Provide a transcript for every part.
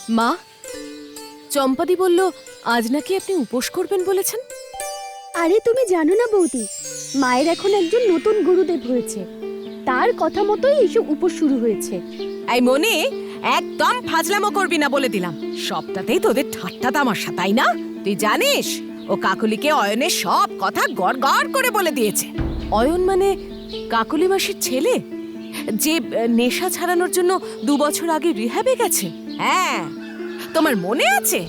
মা, চম্পাদি বলল আজ নাকি আপনি উপোস করবেন বলেছেন। আরে তুমি জানো না বৌদি, মায়ের এখন একজন নতুন গুরুদেব হয়েছে, তার কথা মতোই এইসব উপোস শুরু হয়েছে। এই মনি, একদম ফাজলামো করবি না বলে দিলাম। সবটাতেই তোদের ঠাট্টা তামাশা, তাই না? তুই জানিস ও কাকুলিকে অয়নের সব কথা গড় গড় করে বলে দিয়েছে। অয়ন মানে কাকুলি মাসির ছেলে, যে নেশা ছাড়ানোর জন্য 2 বছর আগে রিহ্যাবে গেছে। হ্যাঁ, তোমার মনে আছে?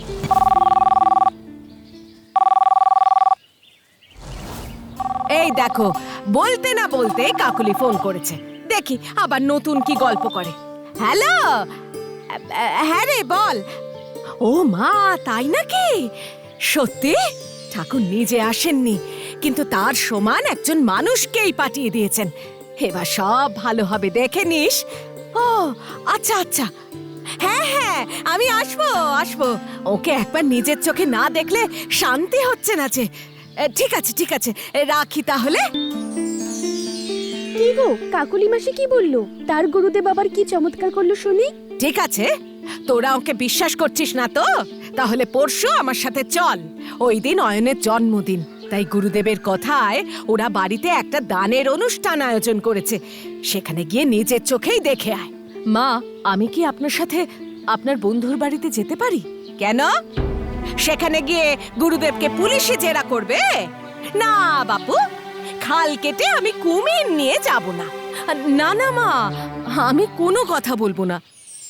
এই দেখো, বলতে না বলতে কাকুলি ফোন করেছে। দেখি আবার নতুন কি গল্প করে। হ্যালো, হ্যাঁ রে, বল। ও মা, তাই নাকি? সত্যি? ঠাকুর নিজে আসেননি, কিন্তু তার সমান একজন মানুষকেই পাঠিয়ে দিয়েছেন। এবার সব ভালো হবে, দেখে নিস। ও আচ্ছা আচ্ছা, হ্যাঁ হ্যাঁ, আমি আসবো আসবো। ওকে একবার নিজের চোখে না দেখলে শান্তি হচ্ছে না যে। ঠিক আছে ঠিক আছে, রাখি তাহলে। কি গো, কাকুলি মাসি কি বললো? তার গুরুদেব আবার কি চমৎকার করলো শুনি। ঠিক আছে, তোরা ওকে বিশ্বাস করছিস না তো? তাহলে পরশু আমার সাথে চল। ওই দিন অয়নের জন্মদিন, তাই গুরুদেবের কথায় ওরা বাড়িতে একটা দানের অনুষ্ঠান আয়োজন করেছে। সেখানে গিয়ে নিজের চোখেই দেখে আয়। মা, আমি কি আপনার সাথে আপনার বন্ধুর বাড়িতে যেতে পারি? কেন? সেখানে গিয়ে গুরুদেবকে পুলিশে জেরা করবে? না বাপু, খাল কেটে আমি কুমির নিয়ে যাব না। না না মা, আমি কোনো কথা বলবো না।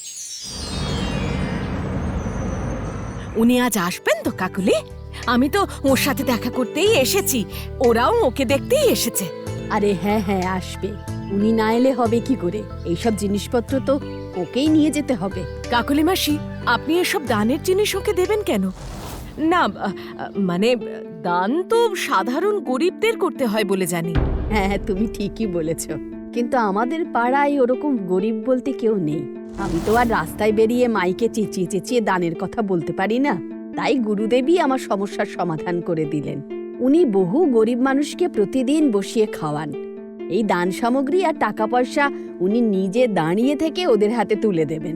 উনি আজ আসবেন তো কাকুলি? আমি তো ওর সাথে দেখা করতেই এসেছি, ওরাও ওকে দেখতেই এসেছে। আরে হ্যাঁ হ্যাঁ, আসবে। উনি না এলে হবে কি করে? এইসব জিনিসপত্র তো ওকেই নিয়ে যেতে হবে। কাকুলি মাসি, আপনি এসব দানের জিনিস ওকে দেবেন কেন? না মানে দান তো সাধারণ গরিবদের করতে হয় বলে জানি। হ্যাঁ হ্যাঁ, তুমি ঠিকই বলেছ, কিন্তু আমাদের পাড়ায় ওরকম গরিব বলতে কেউ নেই। আমি তো আর রাস্তায় বেরিয়ে মাইকে চেঁচিয়ে চেঁচিয়ে দানের কথা বলতে পারি না। তাই গুরুদেবই আমার সমস্যার সমাধান করে দিলেন। উনি বহু গরিব মানুষকে প্রতিদিন বসিয়ে খাওয়ান। এই দান সামগ্রী আর টাকা পয়সা উনি নিজে দাঁড়িয়ে থেকে ওদের হাতে তুলে দেবেন।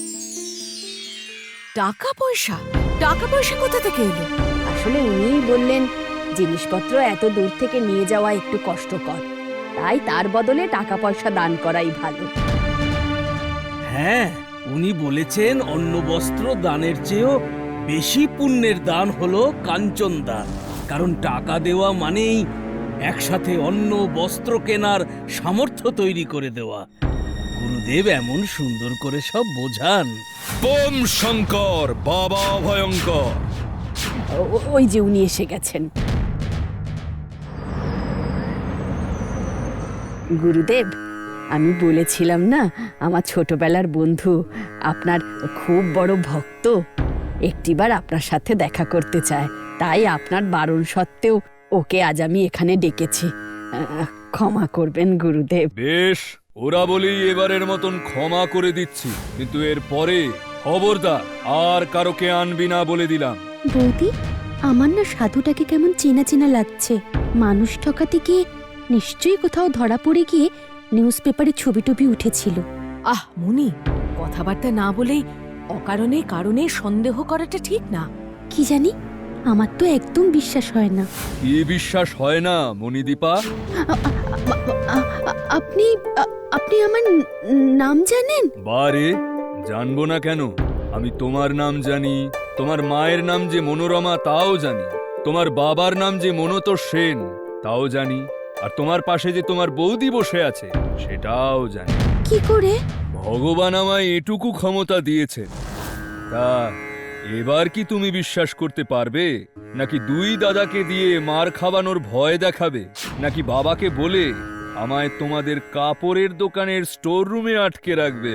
টাকা পয়সা? টাকা পয়সা কোথা থেকে এলো? আসলে উনিই বললেন জিনিসপত্র এত দূর থেকে নিয়ে যাওয়া একটু কষ্টকর, তাই তার বদলে টাকা পয়সা দান করাই ভালো। হ্যাঁ, উনি বলেছেন অন্ন বস্ত্র দানের চেয়েও বেশি পুণ্যের দান হলো কাঞ্চন দান। কারণ টাকা দেওয়া মানেই একসাথে অন্ন বস্ত্র কেনার সামর্থ্য তৈরি করে দেওয়া। গুরুদেব এমন সুন্দর করে সব বোঝান। বোম শঙ্কর, বাবা ভয়ঙ্কর। ওই যে উনি এসে গেছেন। গুরুদেব, আমি বলেছিলাম না আমার ছোটবেলার বন্ধু আপনার খুব বড় ভক্ত, একটিবার আপনার সাথে দেখা করতে চায়। তাই আপনার বারণ সত্ত্বেও ওকে আজ আমি এখানে ডেকেছি। ক্ষমা করবেন গুরুদেব। বেশ, ওরা বলেই এবারের মতন ক্ষমা করে দিচ্ছি, কিন্তু এর পরে খবরদার আর কারোকে আনবি না বলে দিলাম। বৌদি, আমার না সাধুটাকে কেমন চেনা চেনা লাগছে। মানুষ ঠকাতে গিয়ে নিশ্চয়ই কোথাও ধরা পড়ে গিয়ে নিউজ পেপারে ছবি টবি উঠেছিল। আহ মুনি, কথাবার্তা না বলেই অকারণে কারণে সন্দেহ করাটা ঠিক না। কি জানি, আমার তো একদম বিশ্বাস হয় না। কি বিশ্বাস হয় না মণিদীপা? আপনি আপনি আমার নাম জানেন? বারে, জানবো না কেন? আমি তোমার নাম জানি, তোমার মায়ের নাম যে মনোরমা তাও জানি, তোমার বাবার নাম যে মনোতোষ সেন তাও জানি, আর তোমার পাশে যে তোমার বৌদি বসে আছে সেটাও জানি। কি করে? ভগবান আমায় এটুকু ক্ষমতা দিয়েছেন। তা এবার কি তুমি বিশ্বাস করতে পারবে? নাকি দুই দাদাকে দিয়ে মার খাওয়ানোর ভয় দেখাবে? নাকি বাবাকে বলে আমায় তোমাদের কাপড়ের দোকানের স্টোর রুমে আটকে রাখবে?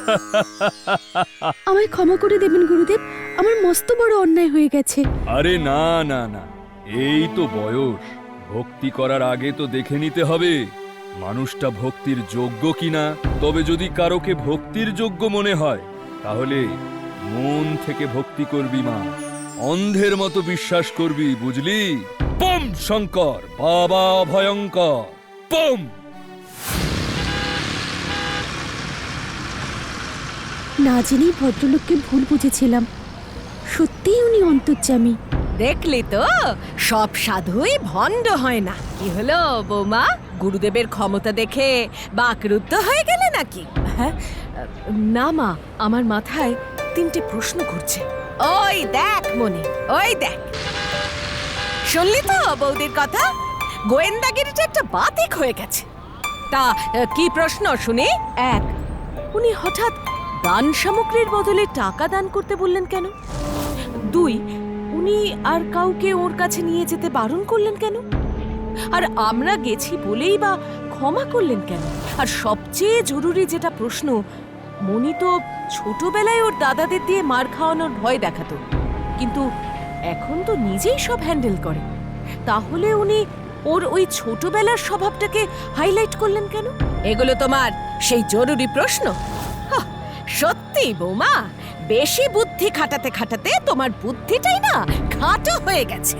আমায় ক্ষমা করে দেবেন গুরুদেব, আমার মস্ত বড় অন্যায় হয়ে গেছে। আরে না না না, এই তো বয়স, ভক্তি করার আগে তো দেখে নিতে হবে মানুষটা ভক্তির যোগ্য কিনা। তবে যদি কারোকে ভক্তির যোগ্য মনে হয় তাহলে মন থেকে ভক্তি করবি মা, অন্ধের মতো বিশ্বাস করবি, বুঝলি? বোম শঙ্কর, বাবা ভয়ঙ্কর, বোম। না জেনেই ভদ্রলোককে ভুল বুঝেছিলাম। সত্যিই উনি অন্তর্যামী। দেখলি তো, সব সাধুই ভণ্ড হয় না। কি হলো বৌমা, গুরুদেবের ক্ষমতা দেখে বাকরুদ্ধ হয়ে গেলে নাকি? হ্যাঁ, না মা, আমার মাথায় 3টে প্রশ্ন ঘুরছে। ওই দেখ মনি, ওই দেখ, শুনলি তো বৌদির কথা? গোয়েন্দাগিরিটা একটা বাতিক হয়ে গেছে। তা কি প্রশ্ন শুনি? 1, উনি হঠাৎ দান সামগ্রীর বদলে টাকা দান করতে বললেন কেন? 2, উনি আর কাউকে ওর কাছে নিয়ে যেতে বারণ করলেন কেন? আর আমরা গেছি বলেই বা ক্ষমা করলেন কেন? আর সবচেয়ে জরুরি যেটা প্রশ্ন, মনি তো ছোটবেলায় ওর দাদাদের দিয়ে মার খাওয়ানোর ভয় দেখাতো, কিন্তু এখন তো নিজেই সব হ্যান্ডেল করে। তাহলে উনি ওর ওই ছোটবেলার স্বভাবটাকে হাইলাইট করলেন কেন? এগুলো তোমার সেই জরুরি প্রশ্ন? হাহ, সত্যি বৌমা, বেশি বুদ্ধি খাটাতে খাটাতে তোমার বুদ্ধিটাই না খাটো হয়ে গেছে।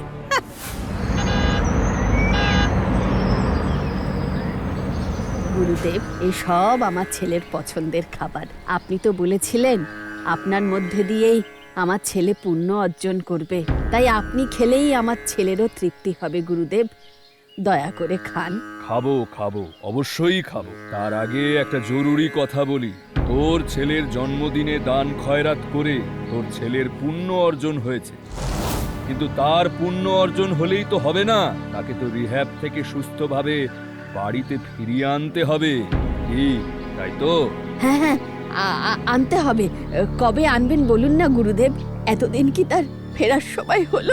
গুরুদেব, এই সব আমার ছেলের পছন্দের খাবার। আপনি তো বলেছিলেন আপনার মধ্যে দিয়েই আমার ছেলে পুণ্য অর্জন করবে, তাই আপনি খেলেই আমার ছেলেরও তৃপ্তি হবে। গুরুদেব, দয়া করে খান। খাবো খাবো, অবশ্যই খাবো। তার আগে একটা জরুরি কথা বলি। তোর ছেলের জন্মদিনে দান খয়রাত করে তোর ছেলের পুণ্য অর্জন হয়েছে, কিন্তু তার পুণ্য অর্জন হলেই তো হবে না, তাকে তো রিহ্যাব থেকে সুস্থভাবে বাড়িতে ফিরিয়ে আনতে হবে। কি তাই তো? হ্যাঁ হ্যাঁ, আনতে হবে। কবে আনবেন বলুন না গুরুদেব? এতদিন কি তার ফেরার সময় হলো?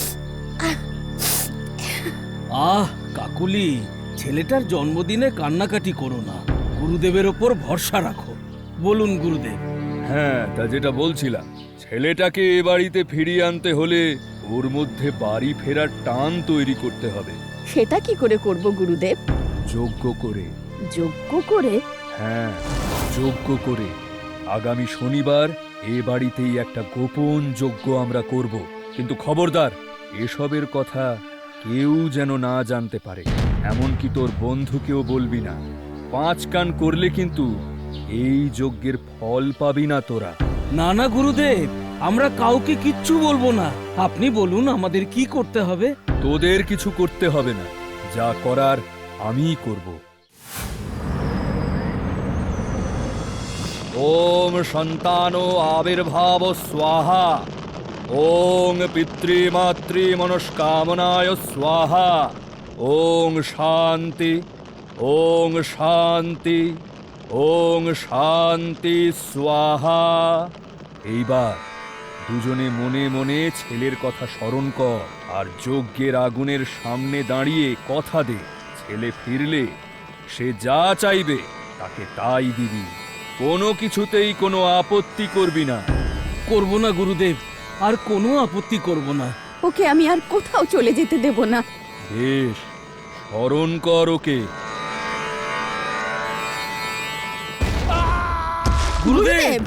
আহ কাকুলি, ছেলেটার জন্মদিনে কান্নাকাটি করো না, গুরুদেবের ওপর ভরসা রাখো। বলুন গুরুদেব। হ্যাঁ, তা যেটা বলছিলাম, ছেলেটাকে এ বাড়িতে ফিরিয়ে আনতে হলে ওর মধ্যে বাড়ি ফেরার টান তৈরি করতে হবে। সেটা কি করে করব গুরুদেব? যোগ্য করে। যোগ্য করে? হ্যাঁ, যজ্ঞ করে। আগামী শনিবার এ বাড়িতেই একটা গোপন যজ্ঞ আমরা করব, কিন্তু খবরদার, এসবের কথা কেউ যেন না জানতে পারে। এমনকি তোর বন্ধুকেও বলবি না। 5 কান করলে কিন্তু এই যজ্ঞের ফল পাবি না তোরা। না না গুরুদেব, আমরা কাউকে কিচ্ছু বলবো না। আপনি বলুন আমাদের কি করতে হবে। তোদের কিছু করতে হবে না, যা করার আমিই করব। ওম সন্তানো আবির্ভাব স্বাহা, ওং পিতৃমাতৃ মনস্কামনায় স্বাহা, ওং শান্তি, ওং শান্তি, ওং শান্তি স্বাহা। এইবার দুজনে মনে মনে ছেলের কথা স্মরণ কর, আর যজ্ঞের আগুনের সামনে দাঁড়িয়ে কথা দে, ছেলে ফিরলে সে যা চাইবে তাকে তাই দিবি। কোনো কিছুতেই কোনো আপত্তি করবি না। করব না গুরুদেব, আর কোনো আপত্তি করব না। ওকে আমি আর কোথাও চলে যেতে দেব না। বেশ, স্মরণ কর ওকে। গুরুদেব,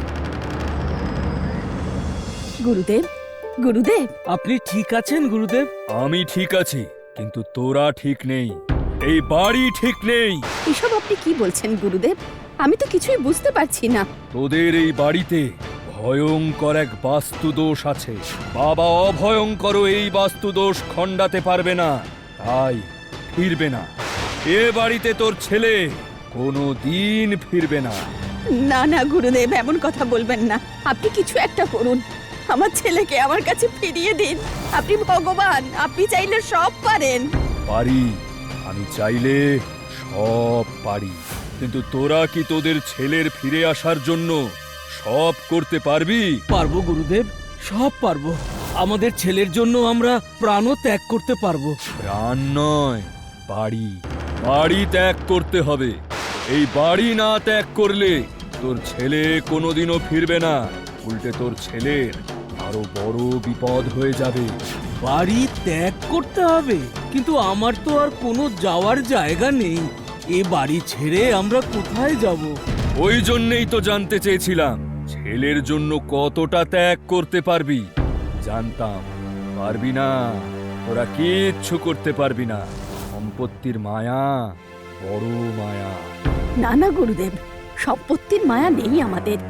গুরুদেব, গুরুদেব, আপনি ঠিক আছেন গুরুদেব? আমি ঠিক আছি, কিন্তু তোরা ঠিক নেই, এই বাড়ি ঠিক নেই। এসব আপনি কি বলছেন গুরুদেব? আমি তো কিছুই বুঝতে পারছি না। তোদের এই বাড়িতে ভয়ঙ্কর এক বাস্তুদোষ আছে। বাবা অভয়ঙ্কর এই বাস্তুদোষ খণ্ডাতে পারবে না, তাই ফিরবে না। এ বাড়িতে তোর ছেলে কোনো দিন ফিরবে না। না না গুরুদেব, এমন কথা বলবেন না। আপনি কিছু একটা করুন, আমার ছেলেকে আমার কাছে ফিরিয়ে দিন। আপনি ভগবান, আপনি চাইলে সব পারেন। পারি, আমি চাইলে সব পারি, কিন্তু তোরা কি তোদের ছেলের ফিরে আসার জন্য সব করতে পারবি? পারবো গুরুদেব, সব পারবো। আমাদের ছেলের জন্য আমরা প্রাণও ত্যাগ করতে পারবো। প্রাণ নয়, বাড়ি, বাড়ি ত্যাগ করতে হবে। এই বাড়ি না ত্যাগ করলে তোর ছেলে কোনোদিনও ফিরবে না, উল্টে তোর ছেলের আরো বড় বিপদ হয়ে যাবে। বাড়ি ত্যাগ করতে হবে? কিন্তু আমার তো আর কোনো যাওয়ার জায়গা নেই। এ বাড়ি ছেড়ে আমরা কোথায় যাব? ওই জন্যেই তো জানতে চেয়েছিলাম ছেলের জন্য কতটা ত্যাগ করতে পারবি। জানতাম পারবি না, তোরা কিচ্ছু করতে পারবি না। সম্পত্তির মায়া বড় মায়া। না না গুরুদেব, সম্পত্তির মায়া নেই আমাদের।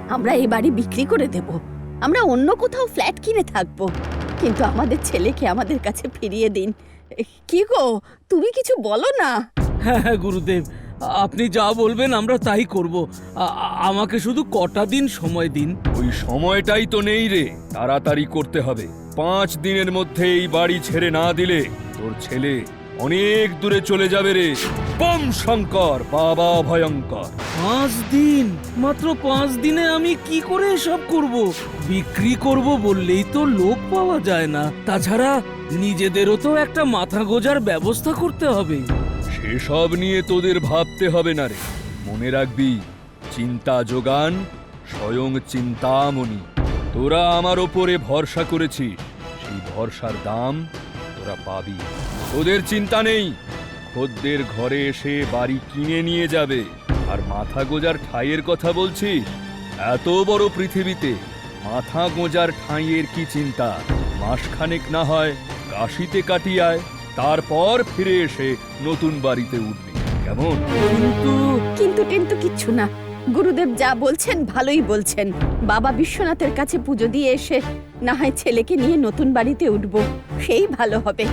আমরা এই বাড়ি বিক্রি করে দেব। আমরা অন্য কোথাও ফ্ল্যাট কিনে থাকবো, কিন্তু আমাদের ছেলেকে আমাদের কাছে ফিরিয়ে দিন। কি গো, তুমি কিছু বলো না। হ্যাঁ হ্যাঁ গুরুদেব, আপনি যা বলবেন আমরা তাই করব। আমাকে শুধু কটা দিন সময় দিন। ওই সময়টাই তো নেই রে, তাড়াতাড়ি করতে হবে। 5 দিনের মধ্যে এই বাড়ি ছেড়ে না দিলে তোর ছেলে অনেক দূরে চলে যাবে রে। বম শঙ্কর, বাবা ভয়ঙ্কর। 5 দিন? মাত্র 5 দিনে আমি কি করে এসব করব? বিক্রি করব বললেই তো লোক পাওয়া যায় না। তাছাড়া নিজেদেরও তো একটা মাথা গোজার ব্যবস্থা করতে হবে। সেসব নিয়ে তোদের ভাবতে হবে না রে। মনে রাখবি, চিন্তা যোগান স্বয়ং চিন্তামণি। তোরা আমার ওপরে ভরসা করেছিস, সেই ভরসার দাম তোরা পাবি। তোদের চিন্তা নেই, খদ্দের ঘরে এসে বাড়ি কিনে নিয়ে যাবে। আর মাথা গোজার ঠাঁইয়ের কথা বলছিস? এত বড় পৃথিবীতে মাথা গোজার ঠাঁইয়ের কি চিন্তা? মাসখানেক না হয় কাশিতে কাটিয়ায়, তারপর ফিরে এসে নতুন বাড়িতে উঠবি, কেমন? কিন্তু টিন্তু কিচ্ছু না। গুরুদেব যা বলছেন ভালোই বলছেন। বাবা বিশ্বনাথের কাছে পুজো দিয়ে এসে না হয় ছেলেকে নিয়ে নতুন বাড়িতে উঠবো, সেই ভালো হবে।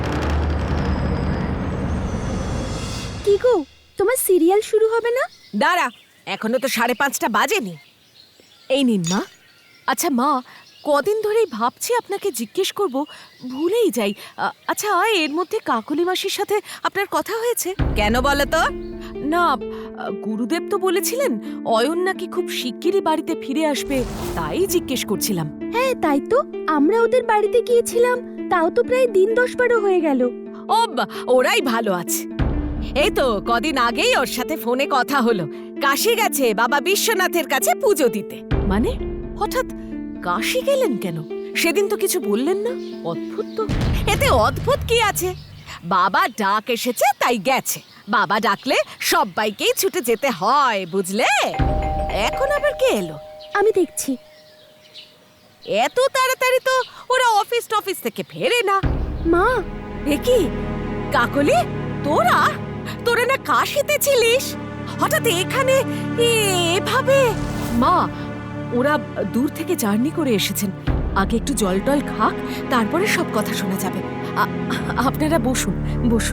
কি গো, তোমার সিরিয়াল শুরু হবে না? দাঁড়া, এখনো তো 5:30 বাজেনি। এই নিন মা। আচ্ছা মা, কদিন ধরেই ভাবছি আপনাকে জিজ্ঞেস করব, ভুলেই যাই। আচ্ছা, এর মধ্যে কাকলি মাসির সাথে আপনার কথা হয়েছে? কেন বলো তো? না, গুরুদেব তো বলেছিলেন অয়ন নাকি খুব শিগগিরই বাড়িতে ফিরে আসবে, তাই জিজ্ঞেস করছিলাম। হ্যাঁ তাই তো, আমরা ওদের বাড়িতে গিয়েছিলাম, তাও তো প্রায় দিন 10-12 হয়ে গেল। ও ওরাই ভালো আছে। এই তো কদিন আগেই ওর সাথে ফোনে কথা হলো, কাশী গেছে বাবা বিশ্বনাথের কাছে পুজো দিতে। মানে হঠাৎ কাশী গেলেন কেন? সেদিন তো কিছু বললেন না। অদ্ভুত তো। এতে অদ্ভুত কি আছে? বাবা ডাক এসেছে তাই গেছে। বাবা ডাকলে সবাইকেই ছুটে যেতে হয়, বুঝলে? এখন আবার কে এলো? আমি দেখছি। এত তাড়াতাড়ি তো ওরা অফিস থেকে ফেরে না। মা, দেখি কাকলি, তোরা তোরা না কাশিতে ছিলিস, হঠাৎ এখানে এভাবে? মা, ওরা দূর থেকে জার্নি করে এসেছেন, আগে একটু জল টল খাক, তারপরে সব কথা শোনা যাবে। আপনারা বসুন বসুন।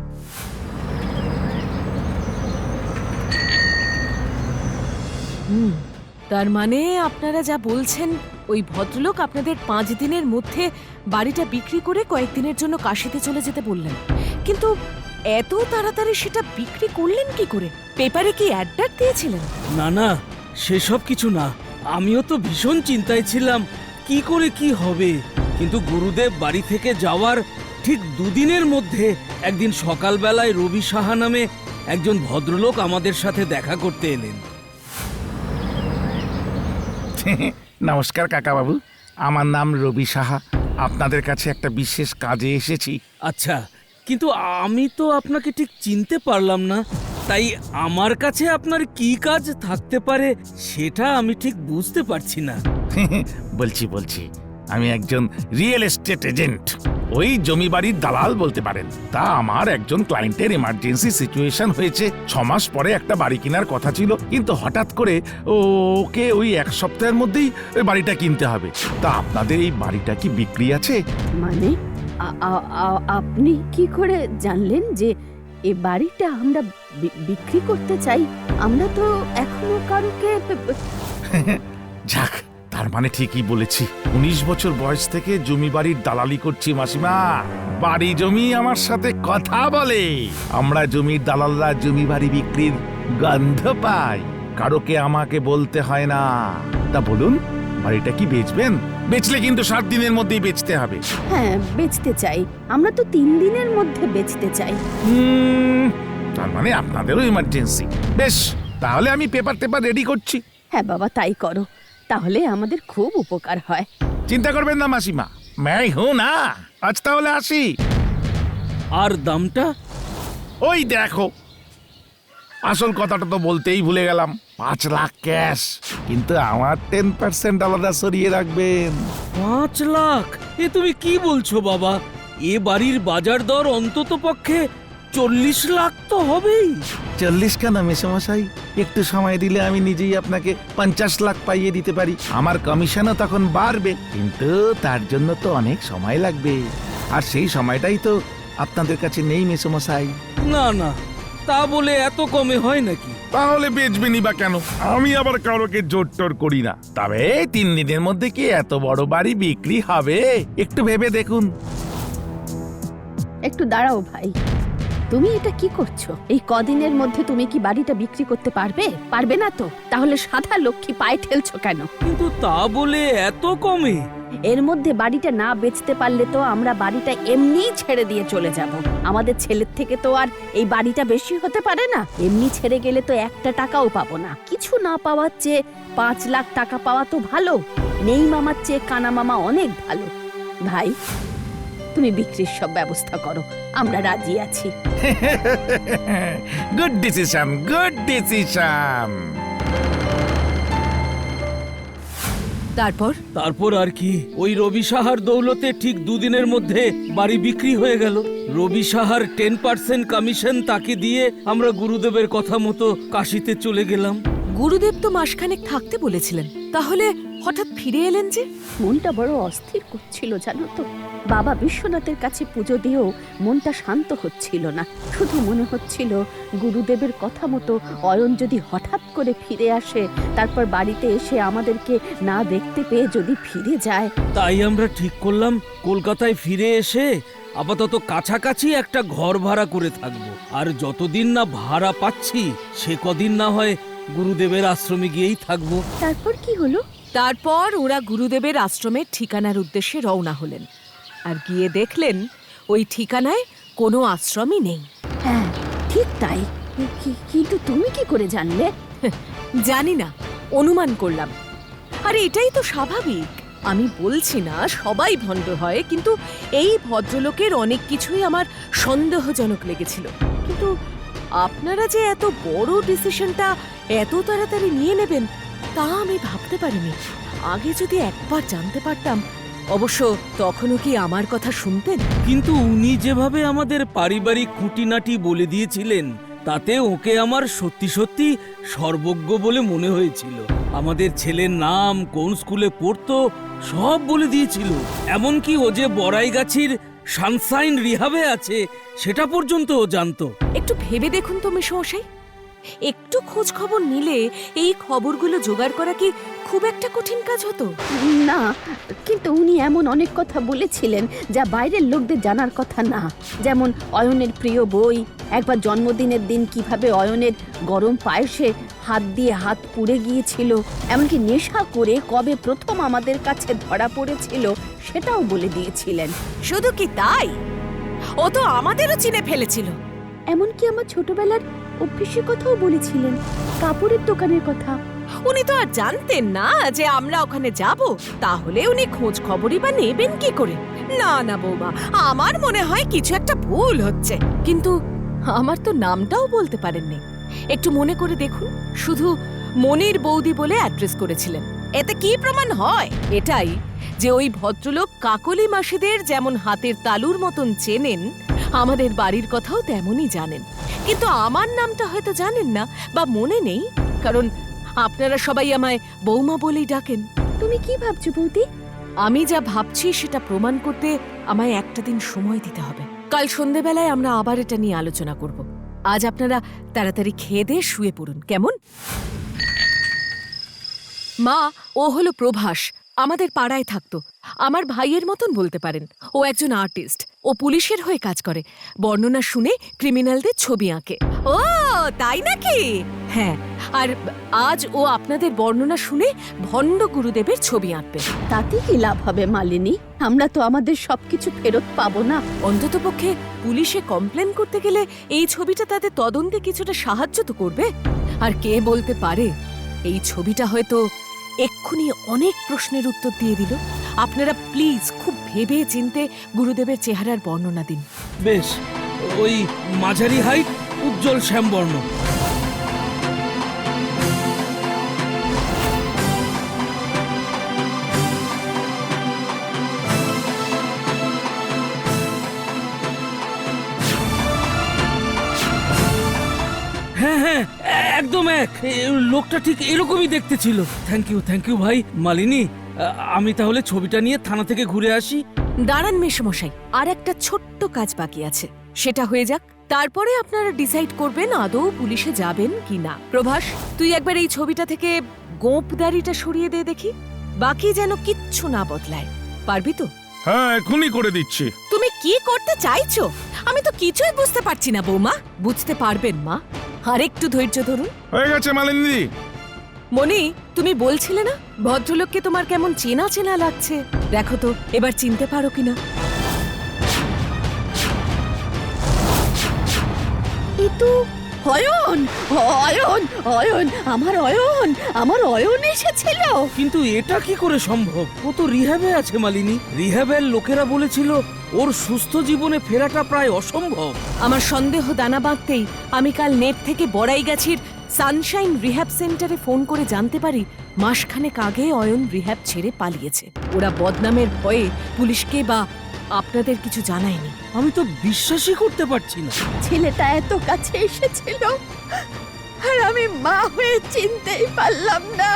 তার মানে আপনারা যা বলছেন, ওই ভদ্রলোক আপনাদের 5 দিনের মধ্যে বাড়িটা বিক্রি করে কয়েকদিনের জন্য কাশিতে চলে যেতে বললেন। কিন্তু এত তাড়াতাড়ি সেটা বিক্রি করলেন কি করে? পেপারে কি অ্যাড দিয়েছিলেন? না না, সেসব কিছু না। আমিও তো ভীষণ চিন্তায় ছিলাম কি করে কি হবে। কিন্তু গুরুদেব বাড়ি থেকে যাওয়ার ঠিক 2 দিনের মধ্যে একদিন সকালবেলায় রবি সাহা নামে একজন ভদ্রলোক আমাদের সাথে দেখা করতে এলেন। নমস্কার কাকাবাবু, আমার নাম রবি সাহা। আপনাদের কাছে একটা বিশেষ কাজে এসেছি। আচ্ছা, কিন্তু আমি তো আপনাকে ঠিক চিনতে পারলাম না, তাই আমার কাছে আপনার কি কাজ থাকতে পারে সেটা আমি ঠিক বুঝতে পারছি না। বলছি আমি একজন রিয়েল এস্টেট এজেন্ট, ওই জমি বাড়ির দালাল বলতে পারেন। তা আমার একজন ক্লায়েন্টের এমার্জেন্সি সিচুয়েশন হয়েছে। 6 মাস পরে একটা বাড়ি কেনার কথা ছিল, কিন্তু হঠাৎ করে ওকে ওই 1 সপ্তাহের মধ্যেই ওই বাড়িটা কিনতে হবে। তা আপনাদের এই বাড়িটা কি বিক্রি আছে? মানে আপনি কি করে জানলেন যে এ বাড়িটা আমরা বিক্রি করতে চাই? আমরা তো এখনো কারোকে যাক, তার মানে ঠিকই বলেছি। 19 বছর বয়স থেকে জমি বাড়ির দালালি করছি মাসিমা। বাড়ি জমি আমার সাথে কথা বলে। আমরা জমির দালালরা জমি বাড়ি বিক্রির গন্ধ পাই, কারোকে আমাকে বলতে হয় না। তা বলুন, বাড়িটা কি বেচবেন? বেচলে কিন্তু 7 দিনের মধ্যেই বেচতে হবে। হ্যাঁ, বেচতে চাই। আমরা তো 3 দিনের মধ্যে বেচতে চাই। তার মানে আপনাদেরও ইমার্জেন্সি। বেশ, তাহলে আমি পেপার রেডি করছি। হ্যাঁ বাবা, তাই করো, তাহলে আমাদের খুব উপকার হয়। চিন্তা করবেন না মাসিমা, मैं हूं না। আজ তাহলে আসি। আর দামটা? ওই দেখো, আসল কথাটা তো বলতেই ভুলে গেলাম। 5 লাখ ক্যাশ, কিন্তু আমার 10% আলাদা সরিয়ে রাখবেন। 5 লাখ? এ তুমি কি বলছো বাবা? এ বাড়ির বাজার দর অন্তত পক্ষে 40 লাখ তো হবেই। 40 কেন মেসোমশাই, একটু সময় দিলে আমি নিজেই আপনাকে 50 লাখ পাইয়ে দিতে পারি। আমার কমিশনও তখন বাড়বে, কিন্তু তার জন্য তো অনেক সময় লাগবে, আর সেই সময়টাই তো আপনাদের কাছে নেই মেসোমশাই। না না, তা বলে এত কমে হয় নাকি? তাহলে বেচবেনি বা কেন? আমি আবার কারোকে জোর টোর করি না। তবে 3 দিনের মধ্যে কি এত বড় বাড়ি বিক্রি হবে? একটু ভেবে দেখুন। একটু দাঁড়াও ভাই, তুমি এটা কি করছো? এই কদিনের মধ্যে তুমি কি বাড়িটা বিক্রি করতে পারবে? পারবে না তো তাহলে সাদা লক্ষ্মী পায়ে ঠেলছো কেন? কিন্তু তা বলে এত কমে? এর মধ্যে বাড়িটা না বেচতে পারলে তো আমরা বাড়িটা এমনিই ছেড়ে দিয়ে চলে যাব। আমাদের ছেলের থেকে তো আর এই বাড়িটা বেশি হতে পারে না। এমনি ছেড়ে গেলে তো একটা টাকাও পাবো না। কিছু না পাওয়ার চেয়ে 5 লাখ টাকা পাওয়া তো ভালো। নেই মামার চেয়ে কানা মামা অনেক ভালো। ভাই, তুমি বিক্রির সব ব্যবস্থা করো, আমরা রাজি আছি। Good decision, good decision. তারপর আর কি, ওই রবি সাহার দৌলতে ঠিক 2 দিনের মধ্যে বাড়ি বিক্রি হয়ে গেল। রবি সাহার 10% কমিশন তাকে দিয়ে আমরা গুরুদেবের কথা মতো কাশিতে চলে গেলাম। গুরুদেব তো মাসখানেক থাকতে বলেছিলেন, তাহলে হঠাৎ ফিরে এলেন যে? মনটা বড় অস্থির করছিল জানো তো। বাবা বিশ্বনাথের কাছে পুজো দিয়েও মনটা শান্ত হচ্ছিল না। শুধু মনে হচ্ছিল গুরুদেবের কথা মতো অয়ন যদি হঠাৎ করে ফিরে আসে, তারপর বাড়িতে এসে আমাদেরকে না দেখতে পেয়ে যদি ফিরে যায়। তাই আমরা ঠিক করলাম কলকাতায় ফিরে এসে আপাতত কাছাকাছি একটা ঘর ভাড়া করে থাকবো। আর যতদিন না ভাড়া পাচ্ছি সে কদিন না হয় গুরুদেবের আশ্রমে গিয়েই থাকবো। তারপর কি হলো? তারপর ওরা গুরুদেবের আশ্রমের ঠিকানার উদ্দেশ্যে রওনা হলেন, আর গিয়ে দেখলেন ওই ঠিকানায় কোনো আশ্রমই নেই। হ্যাঁ, ঠিক তাই। কিন্তু তুমি কি করে জানলে? জানি না, অনুমান করলাম। আরে এটাই তো স্বাভাবিক। আমি বলছি না সবাই ভণ্ড হয়, কিন্তু এই ভদ্রলোকের অনেক কিছুই আমার সন্দেহজনক লেগেছিল। কিন্তু আপনারা যে এত বড় ডিসিশনটা এত তাড়াতাড়ি নিয়ে নেবেন তা আমি ভাবতে পারিনি। আগে যদি একবার জানতে পারতাম, অবশ্য তখনও কি আমার কথা শুনতেন? কিন্তু উনি যেভাবে আমাদের পারিবারিক খুঁটিনাটি বলে দিয়েছিলেন, তাতে ওকে আমার সত্যি সত্যি সর্বজ্ঞ বলে মনে হয়েছিল। আমাদের ছেলের নাম, কোন স্কুলে পড়তো সব বলে দিয়েছিল। এমনকি ও যে বড়াইগাছির সানসাইন রিহাবে আছে সেটা পর্যন্ত ও জানতো। একটু ভেবে দেখুন তো মেশমশাই, একটু খোঁজ খবর নিলে এই খবরগুলো জোগাড় করা কি খুব একটা কঠিন কাজ হতো? না, কিন্তু উনি এমন অনেক কথা বলেছিলেন যা বাইরের লোকদের জানার কথা না। যেমন অয়নের প্রিয় বই, একবার জন্মদিনের দিন কিভাবে অয়নের গরম পায়েসে হাত দিয়ে হাত পুড়ে গিয়েছিল, এমনকি নেশা করে কবে প্রথম আমাদের কাছে ধরা পড়েছিল সেটাও বলে দিয়েছিলেন। শুধু কি তাই, ও তো আমাদেরও চিনে ফেলেছিল। এমনকি আমার ছোটবেলার অভ্যেসের কথাও বলেছিলেন, কাপড়ের দোকানের কথা। উনি তো আর জানতেন না যে আমরা ওখানে যাব, তাহলে উনি খোঁজ খবরই বা নেবেন কি করে? না না বৌমা, আমার মনে হয় কিছু একটা ভুল হচ্ছে। কিন্তু আমার তো নামটাও বলতে পারেননি। একটু মনে করে দেখুন, শুধু মনির বৌদি বলে অ্যাড্রেস করেছিলেন। এতে কি প্রমাণ হয়? এটাই যে ওই ভদ্রলোক কাকলি মাসিদের যেমন হাতের তালুর মতন চেনেন, আমাদের বাড়ির কথাও তেমনই জানেন। কিন্তু আমার নামটা হয়তো জানেন না বা মনে নেই, কারণ আপনারা সবাই আমায় বৌমা বলেই ডাকেন। তুমি কি ভাবছো বৌদি? আমি যা ভাবছি সেটা প্রমাণ করতে আমায় একটা দিন সময় দিতে হবে। কাল সন্ধেবেলায় আমরা আবার এটা নিয়ে আলোচনা করব। আজ আপনারা তাড়াতাড়ি খেয়ে দিয়ে শুয়ে পড়ুন, কেমন? মা, ও হলো প্রভাস, আমাদের পাড়ায় থাকতো। আমার ভাইয়ের মতন বলতে পারেন। ও একজন আর্টিস্ট, ও পুলিশের হয়ে কাজ করে। বর্ণনা শুনে ক্রিমিনালদের ছবি আঁকে। ও তাই নাকি? হ্যাঁ, আর আজ ও আপনাদের বর্ণনা শুনে ভণ্ড গুরুদেবের ছবি আঁকবে। তাতে কি লাভ হবে মালিনী? আমরা তো আমাদের সবকিছু ফেরত পাবো না। অন্ততপক্ষে পুলিশে কমপ্লেন করতে গেলে এই ছবিটা তাদের তদন্তে কিছুটা সাহায্য তো করবে। আর কে বলতে পারে, এই ছবিটা হয়তো এক্ষুনি অনেক প্রশ্নের উত্তর দিয়ে দিল। আপনারা প্লিজ খুব ভেবে চিনতে গুরুদেবের চেহারার বর্ণনা দিন। বেশ, ওই মাঝারি হাইট, উজ্জ্বল শ্যামবর্ণ। হ্যাঁ হ্যাঁ, একদম এক। লোকটা ঠিক এরকমই দেখতে ছিল। থ্যাংক ইউ ভাই। মালিনী, আমি তাহলে ছবিটা নিয়ে থানা থেকে ঘুরে আসি। দাঁড়ান মেশমশাই, আর একটা ছোট্ট কাজ বাকি আছে, সেটা হয়ে যাক, তারপরে আপনারা ডিসাইড করবেন আদৌ পুলিশে যাবেন কি না। প্রভাস, তুই একবার এই ছবিটা থেকে গোঁপদারিটা সরিয়ে দে দেখি, বাকি যেন কিচ্ছু না বদলায়। পারবি তো? হ্যাঁ, এখনই করে দিচ্ছি। তুমি কি করতে চাইছো আমি তো কিছুই বুঝতে পারছি না বৌমা। বুঝতে পারবেন মা, আর একটু ধৈর্য ধরুন। হয়ে গেছে মালিনী। মনি, তুমি বলছিলে না ভদ্রলোককে তোমার কেমন চেনা চেনা লাগছে? দেখো তো এবার চিনতে পারো কিনা। এ তো অয়ন, অয়ন, অয়ন, আমার অয়ন এসেছিল। কিন্তু এটা কি করে সম্ভব? ও তো রিহ্যাবে আছে মালিনী। রিহ্যাবের লোকেরা বলেছিল ওর সুস্থ জীবনে ফেরাটা প্রায় অসম্ভব। আমার সন্দেহ দানা বাঁধতেই আমি কাল নেট থেকে বড়াইগাছির সানশাইন রিহ্যাব সেন্টারে ফোন করে জানতে পারি মাসখানেক আগে অয়ন রিহ্যাব ছেড়ে পালিয়েছে। ওরা বদনামের ভয়ে পুলিশকে বা আপনাদের কিছু জানায়নি। আমি তো বিশ্বাসই করতে পারছি না। ছেলেটা এত কাছে এসেছিল আর আমি মা হয়ে চিনতেই পারলাম না।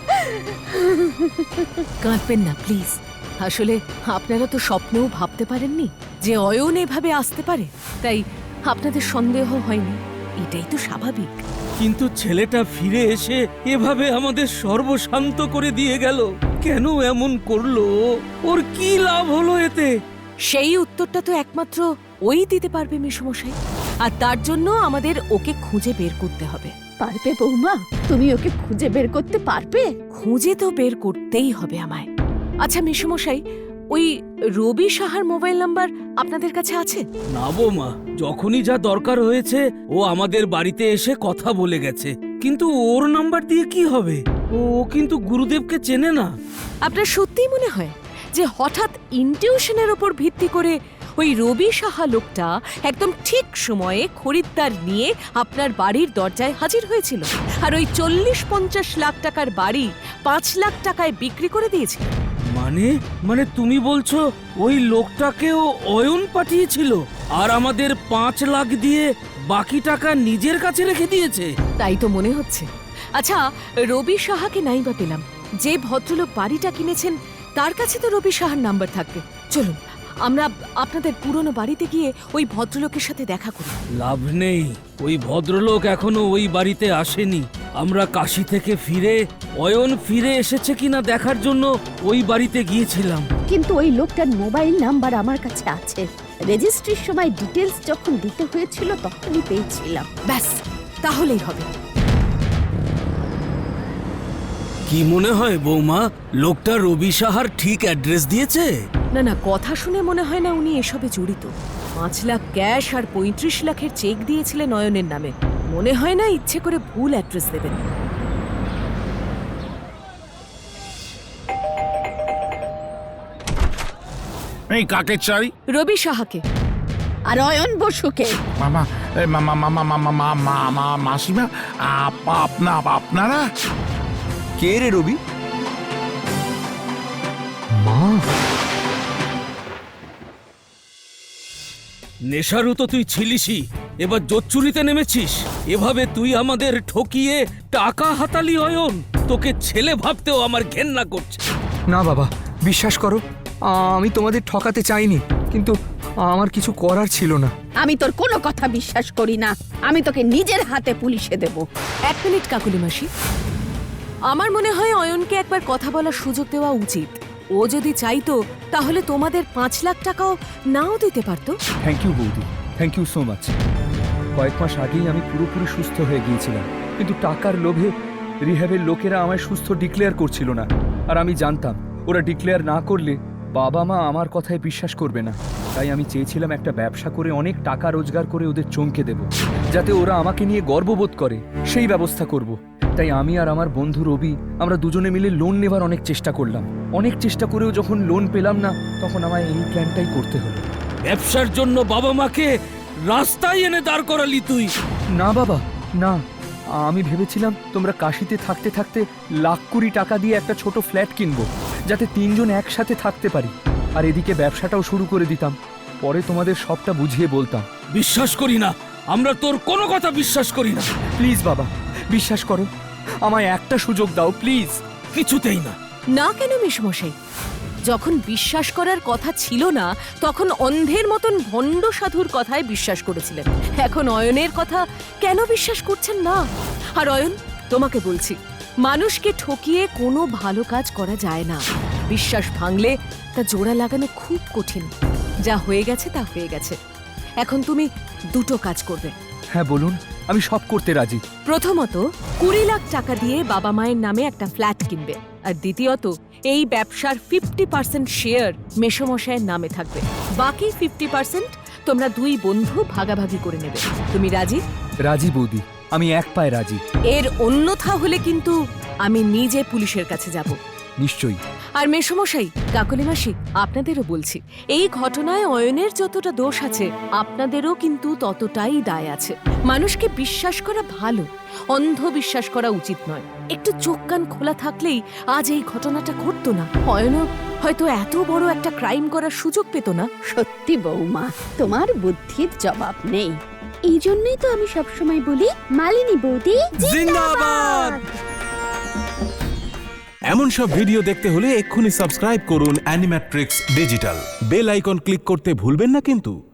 কাঁদবেন না প্লিজ। আসলে আপনারা তো স্বপ্নেও ভাবতে পারেননি যে অয়ন এভাবে আসতে পারে, তাই আপনাদের সন্দেহ হয়নি, এটাই তো স্বাভাবিক। কিন্তু ছেলেটা ফিরে এসে এভাবে আমাদের সর্বশান্ত করে দিয়ে গেল। কেন এমন করলো? ওর কি লাভ হলো এতে? সেই উত্তরটা তো একমাত্র ওই দিতে পারবে মেশমশাই, আর তার জন্য আমাদের ওকে খুঁজে বের করতে হবে। পারবে বৌমা? তুমি ওকে খুঁজে বের করতে পারবে? খুঁজে তো বের করতেই হবে আমায়। আচ্ছা মেশমশাই, ওই রবি সাহার মোবাইল নাম্বার আপনাদের কাছে আছে? না বৌমা, যখনই যা দরকার হয়েছে ও আমাদের বাড়িতে এসে কথা বলে গেছে। কিন্তু ওর নাম্বার দিয়ে কি হবে? ও কিন্তু গুরুদেবকে চেনে না। আপনার সত্যিই মনে হয় যে হঠাৎ ইনটিউশনের ওপর ভিত্তি করে ওই রবি সাহা লোকটা একদম ঠিক সময়ে খরিদ্দার নিয়ে আপনার বাড়ির দরজায় হাজির হয়েছিল, আর ওই 40-50 লাখ টাকার বাড়ি 5 লাখ টাকায় বিক্রি করে দিয়েছিল? মানে তুমি বলছো ওই লোকটাকেও অয়ন পাঠিয়েছিল আর আমাদের 5 লাখ দিয়ে বাকি টাকা নিজের কাছে রেখে দিয়েছে? তাই তো মনে হচ্ছে। আচ্ছা, রবি সাহাকে নাই বা পেলাম, যে ভদ্রলোক বাড়িটা কিনেছেন তার কাছে তো রবি সাহার নাম্বার থাকবে। চলুন আমরা আপনাদের পুরনো বাড়িতে গিয়ে ওই ভদ্রলোকের সাথে দেখা করি। লাভ নেই, ওই ভদ্রলোক এখনো ওই বাড়িতে আসেনি। আমরা কাশি থেকে ফিরে অয়ন ফিরে এসেছে কিনা দেখার জন্য ওই বাড়িতে গিয়েছিলাম। কিন্তু ওই লোকটার মোবাইল নাম্বার আমার কাছে আছে। রেজিস্ট্রির সময় ডিটেলস যখন দিতে হয়েছিল তখনই পেয়েছিলাম। ব্যাস, তাহলেই হবে। কি মনে হয় বৌমা, লোকটা রবি সাহার ঠিক অ্যাড্রেস দিয়েছে? না না, কথা শুনে মনে হয় না উনি এসবে জড়িত। 5 লাখ ক্যাশ আর 35 লাখের চেক দিয়েছিলেন নয়নের নামে। মনে হয় না ইচ্ছে করে ভুল অ্যাড্রেস দেবেন। এই কাকে চাই? রবি সাহাকে। আর অয়ন বসুকে। মামা, মামা মামা মামা মামা মাসিমা, আপনারা? কে রে রবি? মা, নেশারু তো তুই ছিলিসই, এবার জোচ্চুরিতে নেমেছিস। এভাবে তুই আমাদের ঠকিয়ে টাকা হাতালি অয়ন। তোকে ছেলে ভাবতেও আমার ঘেন্না করছে। না বাবা, বিশ্বাস করো, আমি তোমাদের ঠকাতে চাইনি, কিন্তু আমার কিছু করার ছিল না। আমি তোর কোনো কথা বিশ্বাস করি না। আমি তোকে নিজের হাতে পুলিশে দেব। 1 মিনিট কাকুলি মাসি, আমার মনে হয় অয়নকে একবার কথা বলার সুযোগ দেওয়া উচিত। ও যদি চাইতো তাহলে তোমাদের 5 লাখ টাকাও নাও দিতে পারতো। থ্যাংক ইউ বৌদি, থ্যাংক ইউ সো মাচ। কয়েক মাস আগেই আমি পুরোপুরি সুস্থ হয়ে গিয়েছিলাম, কিন্তু টাকার লোভে রিহ্যাবের লোকেরা আমায় সুস্থ ডিক্লেয়ার করছিল না। আর আমি জানতাম ওরা ডিক্লেয়ার না করলে বাবা মা আমার কথায় বিশ্বাস করবে না। তাই আমি চেয়েছিলাম একটা ব্যবসা করে অনেক টাকা রোজগার করে ওদের চমকে দেব, যাতে ওরা আমাকে নিয়ে গর্ববোধ করে। সেই ব্যবস্থা করব। তাই আমি আর আমার বন্ধু রবি আমরা দুজনে মিলে লোন নেবার অনেক চেষ্টা করলাম। অনেক চেষ্টা করেও যখন লোন পেলাম না, তখন আমায় এই প্ল্যানটাই করতে হলো। ব্যবসার জন্য বাবা মাকে রাস্তায় এনে দাঁড় করালি তুই? না বাবা, না। আমি ভেবেছিলাম তোমরা কাশিতে থাকতে থাকতে লাখ 20 টাকা দিয়ে একটা ছোট ফ্ল্যাট কিনবো, যাতে 3 জন একসাথে থাকতে পারি, আর এদিকে ব্যবসাটাও শুরু করে দিতাম। পরে তোমাদের সবটা বুঝিয়ে বলতাম। বিশ্বাস করি না, আমরা তোর কোনো কথা বিশ্বাস করি না। প্লিজ বাবা, বিশ্বাস করো, আমায় একটা সুযোগ দাও প্লিজ। কিছুতেই না। না কেন মেশমশাই? যখন বিশ্বাস করার কথা ছিল না তখন অন্ধের মতন ভণ্ড সাধুর কথায় বিশ্বাস করেছিলেন। এখন অয়নের কথা কেন বিশ্বাস করছেন না? আর অয়ন, তোমাকে বলছি, মানুষকে ঠকিয়ে কোনো ভালো কাজ করা যায় না। বিশ্বাস ভাঙলে তা জোড়া লাগানো খুব কঠিন। যা হয়ে গেছে তা হয়ে গেছে। এখন তুমি দুটো কাজ করবে। হ্যাঁ বলুন, আমি সব করতে রাজি। প্রথমত 20 লাখ টাকা দিয়ে বাবা মায়ের নামে একটা ফ্ল্যাট কিনবে, আর দ্বিতীয়ত এই ব্যবসার 50% শেয়ার মেশমশায়ের নামে থাকবে। বাকি 50% তোমরা দুই বন্ধু ভাগাভাগি করে নেবে। তুমি রাজি? রাজি বৌদি, আমি এক পায়ে রাজি। এর অন্যথা হলে কিন্তু আমি নিজে পুলিশের কাছে যাব। নিশ্চয়ই। আর মেশমশাই, কাকলি মাসি, আপনাদেরও বলছি, এই ঘটনায় অয়নের যতটা দোষ আছে আপনাদেরও কিন্তু ততটাই দায় আছে। মানুষকে বিশ্বাস করা ভালো, অন্ধ বিশ্বাস করা উচিত নয়। একটু চোখ কান খোলা থাকলেই আজ এই ঘটনাটা ঘটতো না। অয়নও হয়তো এত বড় একটা ক্রাইম করার সুযোগ পেত না। সত্যি বৌমা, তোমার বুদ্ধির জবাব নেই। এই জন্যই তো আমি সবসময় বলি, মালিনী বৌদি জিন্দাবাদ। এমন সব ভিডিও দেখতে হলে এক্ষুনি সাবস্ক্রাইব করুন Animatrix digital. Bell icon click করতে ভুলবেন না কিন্তু।